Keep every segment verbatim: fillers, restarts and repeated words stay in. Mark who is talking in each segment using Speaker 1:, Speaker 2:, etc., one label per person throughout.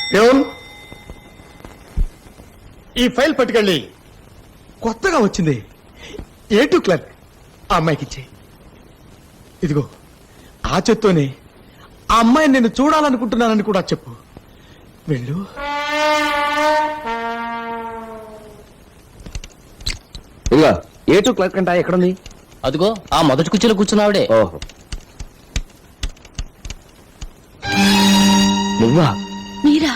Speaker 1: ఏం ఈ ఫైల్ పట్టుకెళ్ళి కొత్తగా వచ్చింది ఏ టూ క్లర్క్ ఆ అమ్మాయికి ఇచ్చే. ఇదిగో ఆ చేత్తోనే ఆ అమ్మాయిని నేను చూడాలనుకుంటున్నానని కూడా చెప్పు. వెళ్ళు.
Speaker 2: ఇదిగో ఏ టూ క్లర్క్ అంట ఎక్కడుంది?
Speaker 3: అదిగో ఆ మొదటి కుర్చీలో కూర్చున్నావిడే.
Speaker 2: ఓహో నువ్వా?
Speaker 4: మీరా?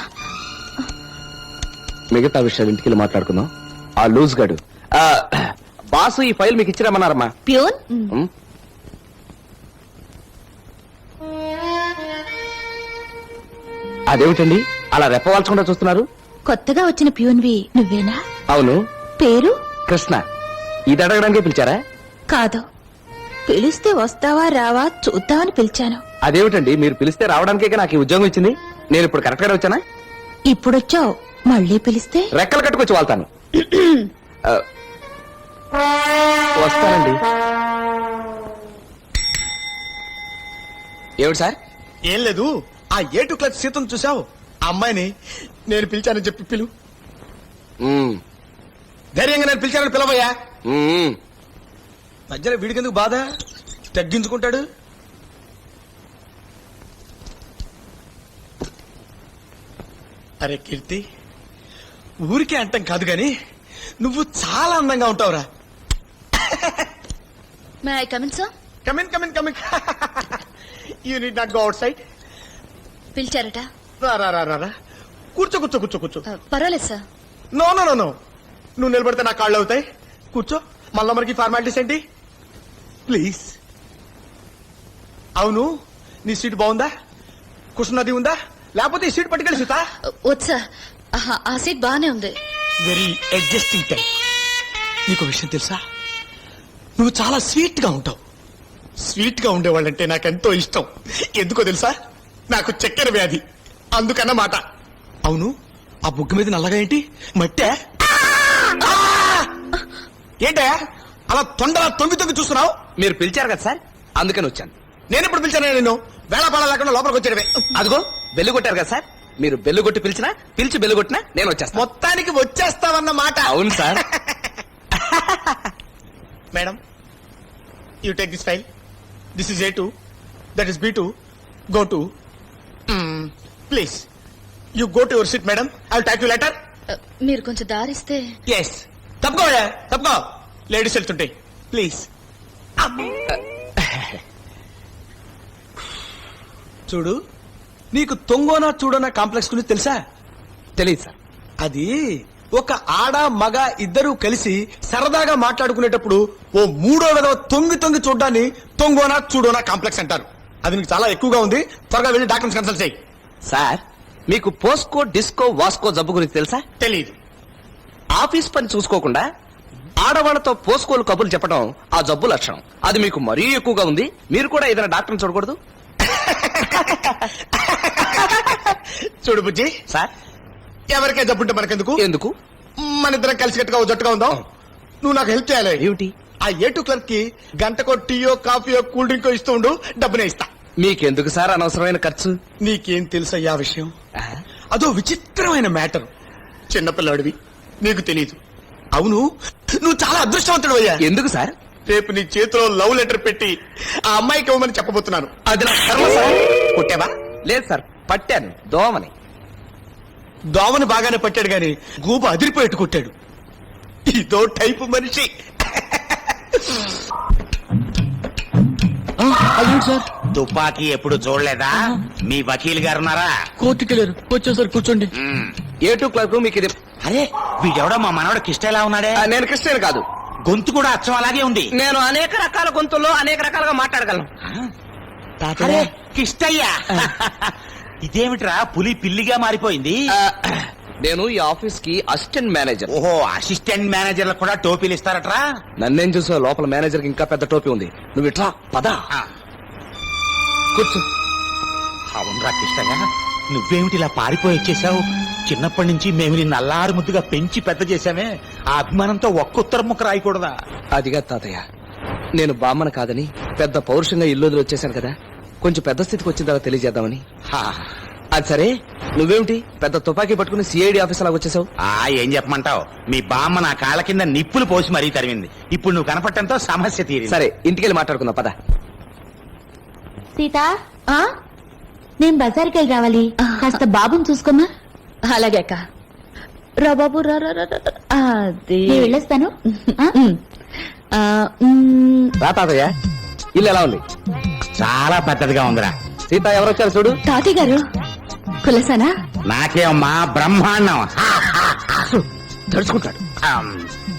Speaker 2: మిగతా విషయాలు ఇంటికి వెళ్ళి మాట్లాడుకుందాం. ఆ లూజ్ గాడు ఆ, బాసు ఈ ఫైల్ మీకు ఇచ్చిరమ్మన్నారమ్మా.
Speaker 4: ప్యూన్
Speaker 2: ఉమ్. అదేమిటండి అలా రెప్పవాల్చకుండా చూస్తున్నారు?
Speaker 4: కొత్తగా వచ్చిన ప్యూన్వి నువ్వేనా?
Speaker 2: అవును.
Speaker 4: పేరు?
Speaker 2: కృష్ణ. ఇది అడగడానికి పిలిచారా?
Speaker 4: కాదు, పిలిస్తే వస్తావా రావా చూద్దామని పిలిచాను.
Speaker 2: అదేమిటండి మీరు పిలిస్తే రావడానికే నాకు ఈ ఉద్యోగం ఇచ్చింది. నేను ఇప్పుడు కరెక్ట్ గానే వచ్చానా?
Speaker 4: ఇప్పుడొచ్చావు, మళ్ళీ పిలిస్తే
Speaker 2: రెక్కలు కట్టుకొచ్చి వాళ్తాను. ఆ, వస్తానండి. ఏమిటి సార్?
Speaker 1: ఏం లేదు, ఆ ఏ టూ క్లర్క్ సీతను చూసావు? ఆ అమ్మాయిని నేను పిలిచానని చెప్పి పిలు.
Speaker 2: ఉమ్,
Speaker 1: ధైర్యంగా నేను పిలిచానని పిలవయ్యా.
Speaker 2: ఉమ్.
Speaker 1: మధ్యలో వీడికెందుకు బాధ? తగ్గించుకుంటాడు. అరే కీర్తి, ఊరికే అంటాం కాదు గాని నువ్వు చాలా అందంగా ఉంటావురా.
Speaker 4: May I come in sir?
Speaker 1: Come in come in come in. You need not go outside.
Speaker 4: పిలిచారట?
Speaker 1: రా రా రా రా రా. కూర్చో కూర్చో కూర్చో కూర్చో.
Speaker 4: పర్వాలేదు sir.
Speaker 1: No no no no, నువ్వు నిలబడితే నా కాళ్ళు అవుతాయి. కూర్చో. మళ్ళా మనకి ఫార్మాలిటీస్ ఏంటి? ప్లీజ్. అవును, నీ సీట్ బాగుందా? కుషన్ అది ఉందా? లేకపోతే ఈ సీట్ పట్టుకెళ్ళి సీతా.
Speaker 4: వద్దు సార్, ఆ సీట్ బాగానే ఉంది.
Speaker 1: Very adjusting type. నీకు విషయం తెలుసా? నువ్వు చాలా స్వీట్ గా ఉంటావు. స్వీట్ గా ఉండేవాళ్ళంటే నాకెంతో ఇష్టం. ఎందుకో తెలుసా? నాకు చక్కెర వ్యాధి, అందుకన్నమాట. అవును, ఆ బుగ్గ మీద నల్లగా ఏంటి? మట్టే? ఏంటే అలా తొండలా తొంగి తొంగి చూస్తున్నావు?
Speaker 2: మీరు పిలిచారు కదా సార్, అందుకని వచ్చాను.
Speaker 1: నేను ఎప్పుడు పిలిచాను? నేను వేళపాడ లేకుండా లోపలికి వచ్చాడవే.
Speaker 2: అదిగో బెల్లు కొట్టారు కదా సార్, మీరు బెల్లు కొట్టి పిలిచినా పిలిచి బెల్లు కొట్టినా నేను వచ్చేస్తాను.
Speaker 1: మొత్తానికి వచ్చేస్తావన్న మాట.
Speaker 2: అవును sir.
Speaker 1: Madam, you take this file. This is A two, that is B two. Go to please. You go to your seat madam. I will type you letter.
Speaker 4: మీరు కొంచెం దారిస్తే.
Speaker 1: ఎస్, తప్పుకోయా తప్పుకో. లేడీస్ వెళ్తుంటాయి. ప్లీజ్. చూడు, నీకు తొంగోనా చూడోనా complex గురించి తెలుసా?
Speaker 2: తెలియదు సార్.
Speaker 1: అది ఒక ఆడ మగ ఇద్దరు కలిసి సరదాగా మాట్లాడుకునేటప్పుడు ఓ మూడో విధవ తొంగి తొంగి చూడ్డాన్ని తొంగోనా చూడోనా కాంప్లెక్స్ అంటారు. అది నీకు చాలా ఎక్కువగా ఉంది. త్వరగా వెళ్ళి డాక్టర్స్ కన్సల్ట్ చేయి.
Speaker 2: సార్, మీకు పోస్కో డిస్కో వాస్కో జబ్బు గురించి తెలుసా?
Speaker 1: తెలీదు.
Speaker 2: ఆఫీస్ పని చూసుకోకుండా ఆడవాళ్లతో పోస్కోలు కబుర్లు చెప్పడం ఆ జబ్బు లక్షణం. అది మీకు మరీ ఎక్కువగా ఉంది. మీరు కూడా ఏదైనా డాక్టర్ని చూడకూడదు?
Speaker 1: చూడు బుజ్జి
Speaker 2: సార్,
Speaker 1: ఎవరికే జబ్బుంటే మనకెందుకు?
Speaker 2: ఎందుకు?
Speaker 1: మన ఇద్దరం కలిసి కట్టుగా జట్టుగా ఉందాం. నువ్వు నాకు హెల్ప్ చేయాలి.
Speaker 2: ఏమిటి?
Speaker 1: ఆ ఏ టూ క్లర్క్ కి గంటకో టీయో కాఫీయో కూల్ డ్రింకో ఇస్తూ ఉండు, డబ్బునే ఇస్తా.
Speaker 2: మీకెందుకు సార్ అనవసరమైన ఖర్చు?
Speaker 1: నీకేం తెలుసయ్యా విషయం?
Speaker 2: ఆ?
Speaker 1: అదో విచిత్రమైన మ్యాటర్. చిన్నపిల్లాడివి, నీకు తెలీదు. అవును, నువ్వు చాలా అదృష్టవంతుడు అయ్యా.
Speaker 2: ఎందుకు సార్?
Speaker 1: రేపు నీ చేతిలో లవ్ లెటర్ పెట్టి ఆ అమ్మాయికి ఇవ్వమని చెప్పబోతున్నాను.
Speaker 2: అది నా కర్మ సార్.
Speaker 1: కొట్టావా?
Speaker 2: లేదు సార్, పట్టాను దోమని.
Speaker 1: దోమని బాగానే పట్టాడు గాని గూబ అదిరిపోయేట్టు కొట్టాడు. ఇదో టైపు మనిషి.
Speaker 3: సార్,
Speaker 5: తుపాకీ ఎప్పుడు చూడలేదా? మీ వకీల్ గారు ఉన్నారా?
Speaker 3: కోర్టుకి వెళ్ళారు. వచ్చేసారు, కూర్చోండి.
Speaker 2: ఏ టూ క్లర్క్ మీకు ఇది.
Speaker 5: అరే, వీడెవడో మా మనవడు కిష్ట ఎలా ఉన్నాడే?
Speaker 2: ఆ, నేను క్రిస్టియన్ కాదు.
Speaker 5: గొంతు కూడా అచ్చం అలాగే ఉంది.
Speaker 2: నేను అనేక రకాల గొంతుల్లో అనేక రకాలుగా మాట్లాడగలను.
Speaker 5: అరే కిష్టయ్యా, ఇదేమిట్రా పులి పిల్లిగా మారిపోయింది?
Speaker 2: ఆ, నేను ఈ ఆఫీస్ కి అసిస్టెంట్ మేనేజర్.
Speaker 5: ఓహో, అసిస్టెంట్ మేనేజర్లకు కూడా టోపీలు ఇస్తారట్రా?
Speaker 2: నన్నేం చూసావు? లోపల మేనేజర్ కి ఇంకా పెద్ద టోపీ ఉంది. నువ్వు ఇట్లా పదా
Speaker 5: ఆ,
Speaker 2: కూర్చో.
Speaker 5: అవునరా కిష్టయ్యా, నువ్వేమిటి ఇలా పారిపోయి వచ్చేసావు? చిన్నప్పటి నుంచి మేము నిన్ను అల్లారు ముద్దుగా పెంచి పెద్ద చేశామే, ఆ అభిమానంతో ఒక్క ఉత్తరం ముక్క రాయకూడదా?
Speaker 2: అదిగా తాతయ్య, నేను బామ్మను కాదని పెద్ద పౌరుషంగా ఇల్లు వదిలి వచ్చేసాను కదా, కొంచెం పెద్ద స్థితికి వచ్చిన తర్వాత తెలియజేద్దామని.
Speaker 5: హా,
Speaker 2: అది సరే నువ్వేమిటి పెద్ద తుపాకీ పట్టుకుని సిఐడి ఆఫీస్ లాగా వచ్చేసావు?
Speaker 5: ఆ ఏం చెప్పమంటావు, మీ బామ్మ నా కాళ్ళ కింద నిప్పులు పోసి మరీ తరిమింది. ఇప్పుడు నువ్వు కనపడటంతో సమస్య తీరింది.
Speaker 2: సరే ఇంటికెళ్ళి మాట్లాడుకుందాం పద.
Speaker 6: సీత నేను బజార్కి వెళ్ళి రావాలి, కాస్త బాబుని చూసుకోమా.
Speaker 4: అలాగే అక్క. రా బాబు రా రా రా, రా. అది
Speaker 6: నేను వెళ్ళొస్తాను. ఆ?
Speaker 4: ఉమ్. ఆ, ఉమ్.
Speaker 2: రా తాతయ్య, ఇల్లు ఎలా ఉంది?
Speaker 5: చాలా పెద్దదిగా ఉందిరా.
Speaker 2: సీత ఎవరు వచ్చారు చూడు.
Speaker 4: తాతయ్య గారు కులసానా?
Speaker 5: నాకేమమ్మా బ్రహ్మాండం.
Speaker 2: తడుచుకుంటాడు.
Speaker 5: ఆమ్.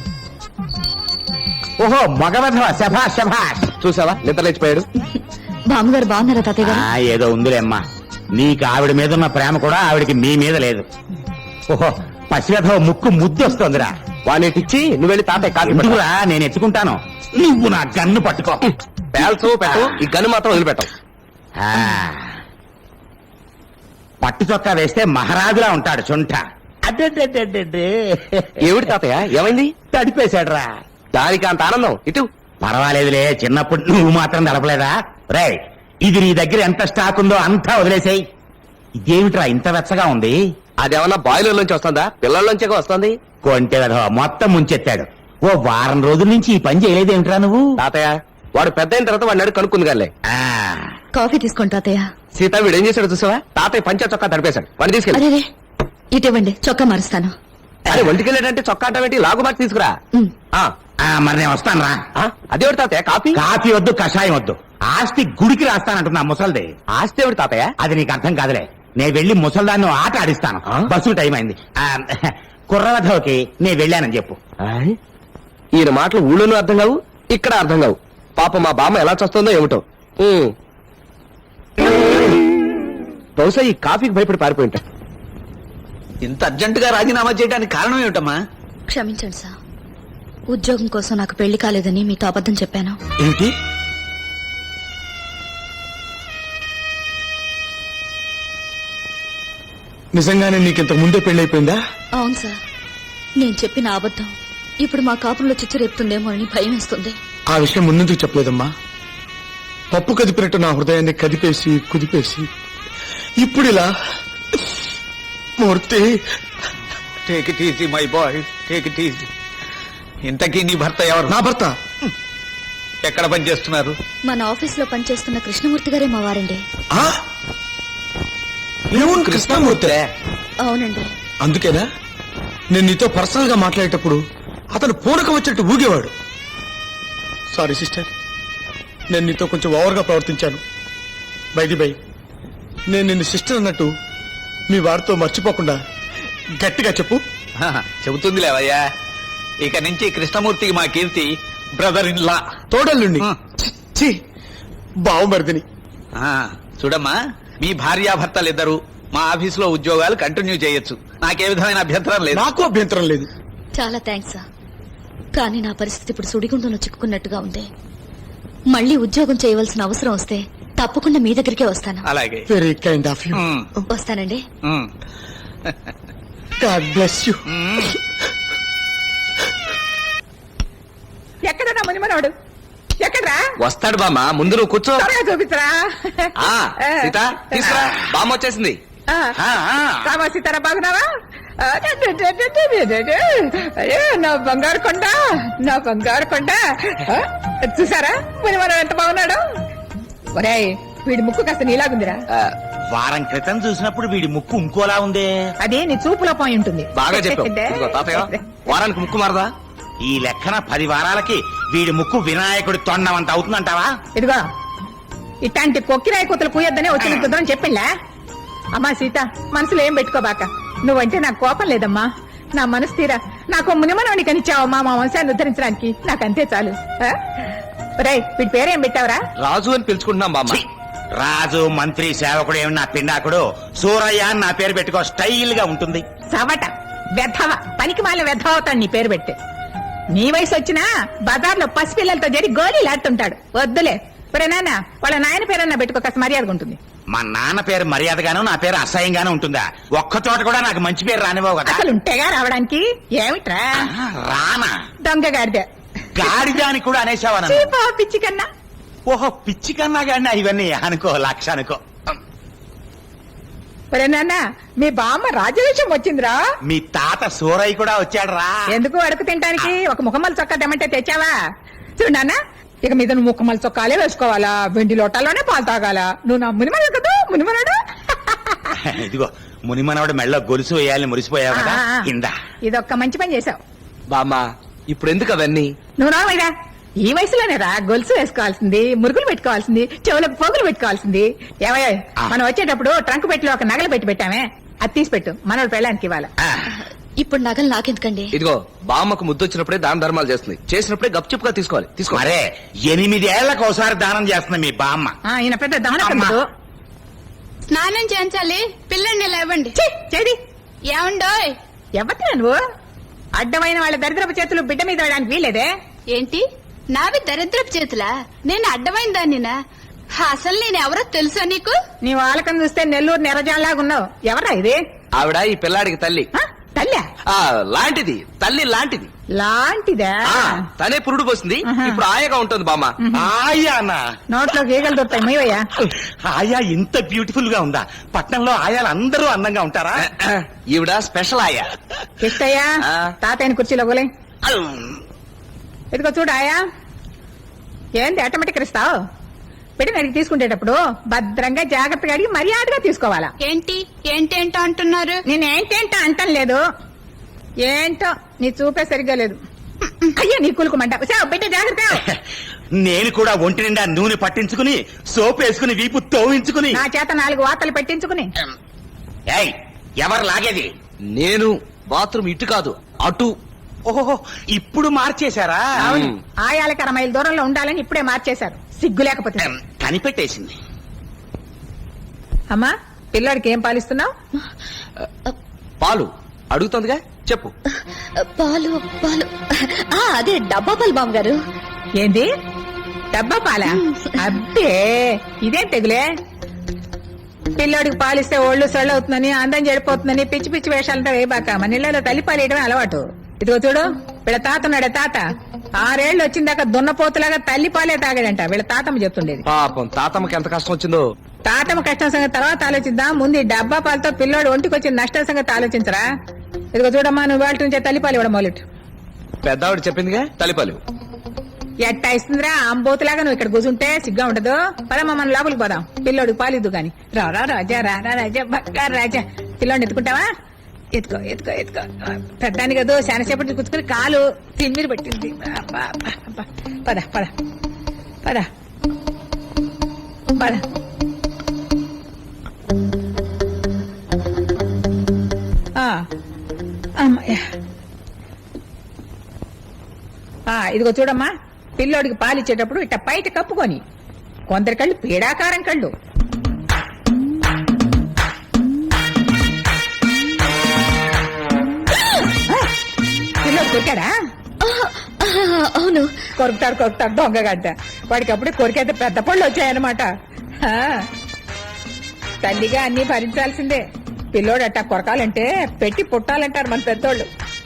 Speaker 5: ఓహో మగవధవ, శభాష్ శభాష్.
Speaker 2: చూసావా నిద్ర లేచిపోయాడు.
Speaker 4: బామ్మగారు బాగున్నారా తాతయ్య గారు?
Speaker 5: ఆ, ఏదో ఉందిలేమ్మా. నీకు ఆవిడ మీద ఉన్న ప్రేమ కూడా ఆవిడకి మీ మీద లేదు. ఓహో పసివెధవ ముక్కు ముద్దొస్తోందిరా.
Speaker 2: వానేటిచ్చి నువ్వు వెళ్ళి తాతయ్య కాదు
Speaker 5: ఎందుకురా, నేను ఎత్తుకుంటాను. నువ్వు నా గన్ను పట్టుకో.
Speaker 2: పేల్చు పెట్టు, ఈ గన్ను మాత్రం వదిలిపెట్టం.
Speaker 5: ఆ. పట్టు చొక్కా వేస్తే మహారాజులా ఉంటాడు చుంట. అడ్డే
Speaker 2: ఏమిటి తాతయ్య ఏమైంది?
Speaker 5: తడిపేశాడురా.
Speaker 2: దానికి అంత ఆనందం ఇటు.
Speaker 5: పర్వాలేదులే, చిన్నప్పుడు నువ్వు మాత్రం తడపలేదా? రే, ఇది నీ దగ్గర ఎంత స్టాక్ ఉందో అంతా వదిలేసాయి. ఇదేమిట్రా ఇంత వెచ్చగా ఉంది?
Speaker 2: అదేమన్నా బాయిలర్ నుంచి వస్తుందా, పిల్లల్లోంచే వస్తుంది?
Speaker 5: కొంటె వెధవ మొత్తం ముంచెత్తాడు. ఓ వారం రోజుల నుంచి ఈ పని చేయలేదేమిట్రా నువ్వు?
Speaker 2: తాతయ్య వాడు పెద్ద అయిన తర్వాత వాడిని అడుగు కనుక్కుంది గాలే.
Speaker 5: ఆ,
Speaker 4: కాఫీ తీసుకోండి తాతయ్య.
Speaker 2: సీత వీడు ఏం చేశాడు చూసావా? తాతయ్య పంచ చొక్కా తడిపేశాడు. వాడిని తీసుకెళ్ళి.
Speaker 4: అరే ఇటివ్వండి, చొక్కా మారుస్తాను.
Speaker 2: అరే ఒంటికెళ్ళాడంటే చొక్కా అంటే లాగు మార్చి తీసుకురా.
Speaker 4: ఉమ్.
Speaker 2: ఆ,
Speaker 5: ఆ, మరి నేను వస్తాను రా.
Speaker 2: ఆ, అదేవిడు తాతయ్య కాఫీ?
Speaker 5: కాఫీ వద్దు, కషాయం వద్దు. ఆస్తి గుడికి రాస్తానంటున్నా ముసల్ది.
Speaker 2: ఆస్తి ఎవడు తాతయ్య?
Speaker 5: అది నీకు అర్థం కాదులే. నేను వెళ్లి ముసల్దాన్ని ఆట ఆడిస్తాను.
Speaker 2: ఆ?
Speaker 5: బస్సు టైం అయింది. ఆ, కుర్రవధవకి నేను వెళ్ళానని చెప్పు.
Speaker 2: ఆయ్, ఈయన మాటలు ఊళ్ళోనూ అర్థం కావు, ఇక్కడ అర్థం కావు. పాప మా బామ్మ ఎలా చస్తుందో ఏమిటో. ఉమ్. బహుశా ఈ కాఫీకి భయపడి పారిపోయి ఉంటా.
Speaker 7: ఇంత అర్జెంటుగా రాజీనామా చేయడానికి కారణం ఏమిటమ్మా?
Speaker 4: క్షమించండి సార్, ఉద్యోగం కోసం నాకు పెళ్లి కాలేదని మీతో అబద్ధం చెప్పాను.
Speaker 1: ఏమిటి? నిజంగానే నీకింతకు ముందే పెళ్ళైపోయిందా?
Speaker 4: అవును సార్, నేను చెప్పిన అబద్ధం ఇప్పుడు మా కాపురంలో చిచ్చు రేపుతుందేమో అని భయం వేస్తుంది.
Speaker 1: ఆ విషయం ముందుకు చెప్పలేదమ్మా. పప్పు కదిపినట్టు నా హృదయాన్ని కదిపేసి కుదిపేసి ఇప్పుడు ఇలా. Murthy,
Speaker 7: take it easy my boy, take it easy. ఇంతకీ నీ భర్త ఎవరు?
Speaker 1: నా భర్త
Speaker 7: ఎక్కడ పని చేస్తున్నారు?
Speaker 4: మన ఆఫీస్ లో పనిచేస్తున్న కృష్ణమూర్తి గారే మా వారండి.
Speaker 1: ఆ? ఏముంది కృష్ణమూర్తి?
Speaker 4: అవునండి.
Speaker 1: అందుకేనా నేను నీతో పర్సనల్ గా మాట్లాడేటప్పుడు అతను పూనకం వచ్చినట్టు ఊగేవాడు. సారీ సిస్టర్, నేను నీతో కొంచెం ఓవర్ గా ప్రవర్తించాను. బైది బై, నేను నిన్ను సిస్టర్ అన్నట్టు మీ వారితో మర్చిపోకుండా గట్టిగా చెప్పు.
Speaker 7: చెబుతుంది లేవయ్యా. ఇక నుంచి కృష్ణమూర్తికి మా కీర్తి బ్రదర్ ఇన్ లా.
Speaker 1: తోడల్లుండి
Speaker 7: ఆ.
Speaker 1: ఛీ, బావమరిదిని.
Speaker 7: చూడమ్మా, మీ భార్యాభర్తలిద్దరూ మా ఆఫీసులో ఉద్యోగాలు కంటిన్యూ చేయొచ్చు. నాకే విధమైన అభ్యంతరం లేదు.
Speaker 1: నాకు అభ్యంతరం లేదు.
Speaker 4: చాలా థ్యాంక్స్ సార్, కానీ నా పరిస్థితి ఇప్పుడు సుడిగుండంలో చిక్కుకున్నట్టుగా ఉంది. మళ్ళీ ఉద్యోగం చేయవలసిన అవసరం వస్తే తప్పకుండా మీ దగ్గరికే వస్తాను.
Speaker 7: అలాగే.
Speaker 1: Very kind of you.
Speaker 7: మ్,
Speaker 4: వస్తానండి.
Speaker 7: మ్,
Speaker 1: గాడ్ బ్లెస్ యూ.
Speaker 7: మ్.
Speaker 8: ఎక్కడన్నా మునిమనోడు? ఎక్కడ్రా?
Speaker 2: వస్తాడు బామ్మ, ముందు నువ్వు కూర్చో.
Speaker 8: త్వరగా చూపించరా.
Speaker 2: ఆ, సీత తీసుకురా, బామ్మ వచ్చేసింది.
Speaker 8: ఆ,
Speaker 2: ఆ, ఆ.
Speaker 8: రామా సీతారా, బాగున్నావా? ఆ, డే, డే, డే, డే, డే, డే, డే, డే. అయ్యో నా బంగారు కొండ, నా బంగారు కొండ. ఆ, చూసారా మునిమనోడు ఎంత బాగున్నాడు? ఒరేయ్, వీడి ముక్కు కాస్త నీలాగుందిరా.
Speaker 2: ఆ,
Speaker 5: వారం క్రితం చూసినప్పుడు వీడి ముక్కు ఇంకోలా ఉందే.
Speaker 8: అదే నీ చూపులో పోయి ఉంటుంది.
Speaker 2: బాగా చెప్పావు. ఇదిగో తాతయ్య, వారానికి ముక్కు మారదా?
Speaker 5: ఈ లెక్కన పది వారాలకి వీడి ముక్కు వినాయకుడి తొండమంత అవుతుందంటావా?
Speaker 8: ఇదిగో ఇట్లాంటి కొక్కిరాయి కూతలు పూయొద్దనే వచ్చిన కుదరని చెప్పిందా? అమ్మా సీత, మనసులో ఏం పెట్టుకోబాక. నువ్వంటే నాకు కోపం లేదమ్మా. నా మనసు తీరా నాకు మునిమనవని కనిచ్చావమ్మా మా వంశాన్ని ఉద్ధరించడానికి. నాకంతే చాలు. రే, వీడి పేరేం పెట్టావరా?
Speaker 2: రాజు అని పిలుచుకుంటున్నాం బామ్మ.
Speaker 5: ఛీ! రాజు, మంత్రి, సేవకుడు ఏమి నా పిండాకుడు. సూరయ్య అని నా పేరు పెట్టుకో, స్టైల్ గా ఉంటుంది.
Speaker 8: సవట వెధవ, పనికి మాల వెధవ అవుతాడు నీ పేరు పెడితే. నీ వయసు వచ్చినా బజార్లో పసిపిల్లలతో చేరి గోళీలాడుతుంటాడు. వద్దులే. ఇప్పుడు నాన్న వాళ్ళ నాయన పేరన్నా పెట్టుకో, కాస్త మర్యాదగా ఉంటుంది.
Speaker 5: మా నాన్న పేరు మర్యాదగాను, నా పేరు అసహ్యంగాను ఉంటుందా? ఒక్క చోట కూడా నాకు మంచి పేరు రానివ్వవు కదా.
Speaker 8: అసలు ఉంటేగా రావడానికి. ఏమిట్రా
Speaker 5: ఆహా, రానా?
Speaker 8: దొంగ గాడిదే.
Speaker 5: గాడిదాని కూడా అనేసావా నన్ను?
Speaker 8: చీపా పిచ్చి కన్నా.
Speaker 5: ఓహో, పిచ్చి కన్నా గాడినా ఇవన్నీ అనుకో, లక్ష అనుకో.
Speaker 8: ఒరే నాన్న మీ బామ్మ రాజవేషం వచ్చిందిరా.
Speaker 5: మీ తాత సూరయ్య కూడా వచ్చాడు రా.
Speaker 8: ఎందుకు అడుగు తింటానికి ఒక ముఖమల్ చొక్కా తెమ్మంటే తెచ్చావా? చూడు నాన్న, ఇక మీద నువ్వు ముఖమల్ చొక్కాలే వేసుకోవాలా, వెండి లోటాల్లోనే పాలు తాగాల. నువ్వు నా మునిమనుడు కదా, మునిమనుడు.
Speaker 5: ఇదిగో మునిమనవాడు మెళ్ళ గొలుసు వేయాలని మురిసిపోయావు కదా,
Speaker 8: ఆ, ఆ.
Speaker 5: ఇందా.
Speaker 8: ఇదొక్క మంచి పని చేసావు.
Speaker 2: బామ్మ ఇప్పుడు ఎందుకు అవన్నీ?
Speaker 8: నువ్వు రావైరా, ఈ వయసులోనే రా గొలుసు వేసుకోవాల్సింది, మురుగులు పెట్టుకోవాల్సింది, చెవులకు పోగులు పెట్టుకోవాల్సింది. ఏమయ్యా,
Speaker 5: ఆ.
Speaker 8: మనం వచ్చేటప్పుడు ట్రంక్ పెట్టిలో ఒక నగలు పెట్టి పెట్టామే, అది తీసి పెట్టు, మనోడు పెళ్ళానికి ఇవ్వాలి.
Speaker 5: ఆ,
Speaker 4: ఇప్పుడు నగలు నాకెందుకండి?
Speaker 2: ఇదిగో బామ్మకు ముద్దొచ్చినప్పుడే దాన ధర్మాలు చేస్తుంది, చేసినప్పుడే గప్చుప్గా తీసుకోవాలి. తీసుకో.
Speaker 5: మరే ఎనిమిదేళ్లకు ఒకసారి దానం చేస్తున్నా మీ బామ్మ.
Speaker 8: ఆ, ఈయన పెద్ద
Speaker 5: అమ్మా.
Speaker 8: దమనకముడు.
Speaker 9: స్నానం చేయించాలి, పిల్లల్ని లేవండి.
Speaker 8: ఛీ, చేది
Speaker 9: ఏమండోయ్?
Speaker 8: ఎవరినా నువ్వు? అడ్డమైన వాళ్ళ దరిద్రపు చేతులు బిడ్డ మీద వేయడానికి వీలేదే.
Speaker 9: ఏంటి నావి దరిద్రపు చేతులా? నేను అడ్డమైన దాన్నినా? అసలు నేను ఎవరో తెలుసా నీకు?
Speaker 8: నీ వాళ్ళకం చూస్తే నెల్లూరు నెరజాలాగా ఉన్నావు. ఎవరా ఇది?
Speaker 2: ఆవిడ ఈ పిల్లాడికి తల్లి.
Speaker 8: ఆ, తల్లా
Speaker 2: ఆ లాంటిది, తల్లి లాంటిది.
Speaker 8: లాంటిదా?
Speaker 2: ఆ, తనే పురుడు పోసింది,
Speaker 8: ఆహా.
Speaker 2: ఇప్పుడు ఆయగా ఉంటుంది బామ్మ.
Speaker 5: ఆయానా?
Speaker 8: నోట్లో గీగలు దొరుకుతాయి మొయ్యా.
Speaker 5: ఆయా ఇంత బ్యూటిఫుల్ గా ఉందా? పట్నంలో ఆయాలు అందరూ అందంగా ఉంటారా?
Speaker 2: ఈవిడ స్పెషల్ ఆయా.
Speaker 8: ఇష్టయ్యా,
Speaker 2: ఆ.
Speaker 8: తాతయ్యని కుర్చీలో గోలే. ఇదిగో చూడు ఆయా, ఏంది ఆటోమేటిక్ ఇస్తావు? పెట్టి అడిగి తీసుకునేటప్పుడు భద్రంగా జాగ్రత్తగా అడిగి మర్యాదగా తీసుకోవాలా.
Speaker 9: ఏంటి ఏంటేంటో అంటున్నారు?
Speaker 8: నేను ఏంటేంటో అంటం లేదు, ఏంటో నీ చూపే సరిగ్గా లేదు. అయ్యా నీ కులుకుమంట బిడ్డ జాగ్రత్త.
Speaker 5: నేను కూడా ఒంటి నిండా నూనె పట్టించుకుని సోప్ వేసుకుని వీపు తోవించుకుని.
Speaker 8: నా చేత నాలుగు వార్తలు పెట్టించుకుని.
Speaker 5: ఏయ్, ఎవరు లాగేది?
Speaker 2: నేను బాత్రూమ్ ఇటు కాదు అటు.
Speaker 5: ఓహో, ఇప్పుడు మార్చేశారా?
Speaker 8: అవును,
Speaker 2: మ్.
Speaker 8: ఆయాలకి అర మైలు దూరంలో ఉండాలని ఇప్పుడే మార్చేశారు, సిగ్గు లేకపోతే.
Speaker 5: ఎం, కనిపెట్టేసింది.
Speaker 8: అమ్మా, పిల్లాడికి ఏం పాలిస్తున్నావు?
Speaker 2: పాలు అడుగుతుందిగా, చెప్పు.
Speaker 4: పాలు పాలు ఆ, అదే డబ్బా పాలు బామ్మగారు.
Speaker 8: ఏంది డబ్బా పాలా? అబ్బే, ఇదేం తెగులే. పిల్లోడికి పాలిస్తే ఒళ్ళు సొళ్ళు అవుతుందని, అందం చెడిపోతుందని పిచ్చి పిచ్చి వేషాలంతా వేయబాక. మన ఇళ్లలో తల్లి పాలు వేయడమే అలవాటు. ఇదిగో చూడు, వీళ్ళ తాతన్నాడే తాత ఆరేళ్లు వచ్చిందాక దున్నపోతులాగా తల్లి పాలే తాగాడంట. వీళ్ళ తాతమ్మ చెప్తుండేది.
Speaker 2: పాపం తాతమ్మకి ఎంత కష్టం వచ్చిందో.
Speaker 8: తాతమ్మ కష్టం సంగతి తర్వాత ఆలోచిద్దాం, ముందు ఈ డబ్బా పాలతో పిల్లోడు ఒంటికి వచ్చిన నష్టం సంగతి ఆలోచించరా. ఇదిగో చూడమ్మా, నువ్వు వాళ్ళ నుంచే తల్లిపాలు ఇవ్వడం మొదలెట్టు.
Speaker 2: పెద్దావిడ చెప్పిందిగా తలిపాలు.
Speaker 8: ఎట్టా ఇస్తుందిరా అంబోతులాగా నువ్వు ఇక్కడ కూర్చుంటే సిగ్గా ఉండదు. పదమ్మా, మనం లోపలికి పోదాం, పిల్లోడికి పాలిద్దు గాని. రా రా రాజా, రా రా రాజా, బక్కా రాజా. పిల్లోడిని ఎత్తుకుంటావా? ఎత్తుకో ఎత్తుకో ఎత్తుకో. పెద్దాని కదా శానసేపటి కూర్చుకుని కాలు తిమ్మిరి పట్టింది. అబ్బా, అబ్బా, అబ్బా. పద పద పద పద. ఆ, అమ్మయ్య. ఆ, ఇదిగో చూడమ్మా, పిల్లోడికి పాలిచ్చేటప్పుడు ఇట్ట బయట కప్పుకొని. కొందరి కళ్ళు పీడాకారం కళ్ళు. పిల్లోడు కొరికాడా?
Speaker 4: ఆ, అవును.
Speaker 8: కొరుకుతాడు కొరుకుతాడు దొంగగడ్డ. వాడికి అప్పుడే కొరికైతే పెద్ద పళ్ళు వచ్చాయన్నమాట. ఆ, తల్లిగా అన్ని భరించాల్సిందే. పిల్లోడు అట్టా కొరకాలంటే పెట్టి పుట్టాలంటారు మన పెద్దోళ్ళు.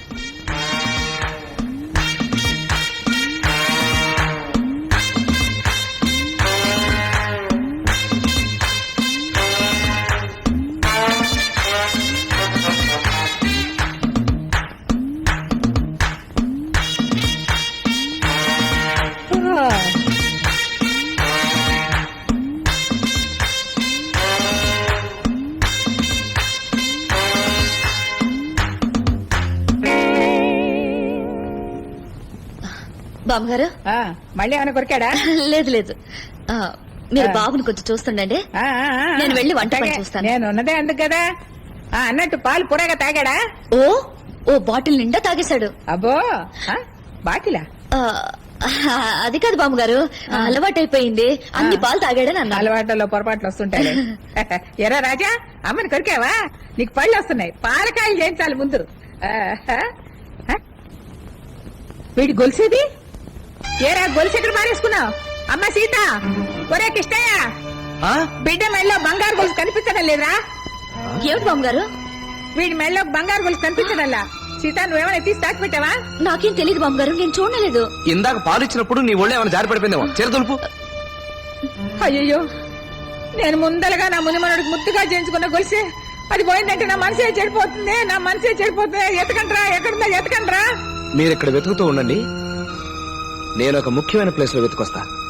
Speaker 4: బామ్మగారు,
Speaker 8: ఆ, మళ్ళీ ఏమైనా కొరికాడా?
Speaker 4: లేదు లేదు. ఆ, మీరు
Speaker 8: ఆ.
Speaker 4: బాబుని కొంచెం చూస్తుండండి.
Speaker 8: ఆ, ఆ, ఆ.
Speaker 4: నేను వెళ్ళి వంట పని
Speaker 8: అట్లాగే.
Speaker 4: చూస్తాను.
Speaker 8: నేను ఉన్నదే అందుకు కదా. ఆ, అన్నట్టు పాలు పురగా తాగాడా?
Speaker 4: ఓ ఓ బాటిల్ నిండా తాగేశాడు.
Speaker 8: అబ్బో, ఆ, బాటిలా?
Speaker 4: ఆ, అది కాదు బామ్మగారు, అలవాటైపోయింది. అన్ని పాలు తాగాడని అన్నాను.
Speaker 8: అలవాట్లలో పొరపాట్లు వస్తుంటాయి. ఎరా రాజా, అమ్మని కొరికావా? నీకు పళ్ళు వస్తున్నాయి, పాలకాయలు చేయించాలి ముందు. ఆ, ఆ, ఆ. వీడి గొలుసేది? ఏరా గొలుసు ఎక్కడ మారేసుకున్నావు? అమ్మ సీత, ఒరే కిష్టయ్య,
Speaker 2: ఆ?
Speaker 8: బిడ్డ మెళ్ళలో బంగారు గొలుసు కనిపించడం లేదురా?
Speaker 4: ఏమిటి బామ్మగారు?
Speaker 8: వీడి మెళ్ళలో బంగారు గొలుసు కనిపించడంలా. సీత, నువ్వేమైనా తీసి తాకి పెట్టావా?
Speaker 4: నాకేం తెలియదు బామ్మగారు, నేను చూడలేదు.
Speaker 2: ఇందాక పాలు ఇచ్చినప్పుడు నీ ఒళ్ళు ఏమైనా జారి పడిపోయిందేమో. చీర దులుపు.
Speaker 8: అయ్యయ్యో, నేను ముందలగా నా మునిమనుడికి ముద్దుగా చేయించుకున్న గొలిసే అది పోయిందంటే నా మనసే చెడిపోతుంది నా మనసే చెడిపోతుంది ఎతకండ్రా ఎక్కడుందా ఎతకండ్రా
Speaker 2: మీరు ఇక్కడ వెతుకుతూ ఉండండి నేను ఒక ముఖ్యమైన ప్లేస్ లో వెతుకొస్తా